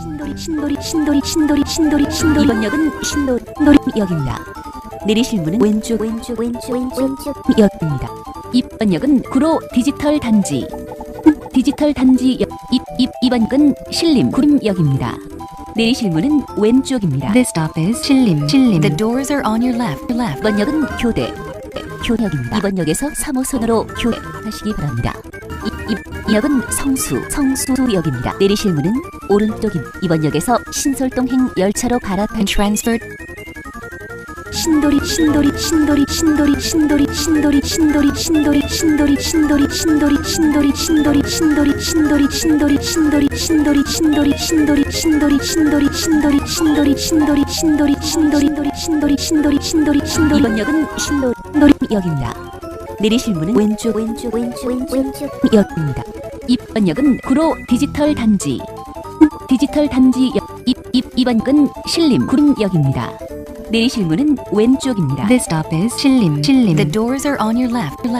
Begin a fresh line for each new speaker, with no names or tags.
신도리 이번 역은 신도리역입니다. 내리실 문은 왼쪽 역입니다. 이번 역은 구로 디지털 단지 역. 이번 역은 신림 구림역입니다. 내리실 문은 왼쪽입니다.
This stop is 신림. The doors are on your left.
이번 역은 교대역입니다. 이번 역에서 3호선으로 교대하시기 바랍니다. 이 역은 성수역입니다. 내리실 문은 오른쪽입니다. 이번 역에서 신솔동행 열차로 갈아타
And transferred.
신도리 이번 역은 신도리역입니다. 내리실 문은 왼쪽 역입니다. 이번 역은 구로 디지털 단지 역. 이번 역은 신림 구림역입니다. 내리실 문은 왼쪽입니다.
This stop is 신림. The doors are on your left.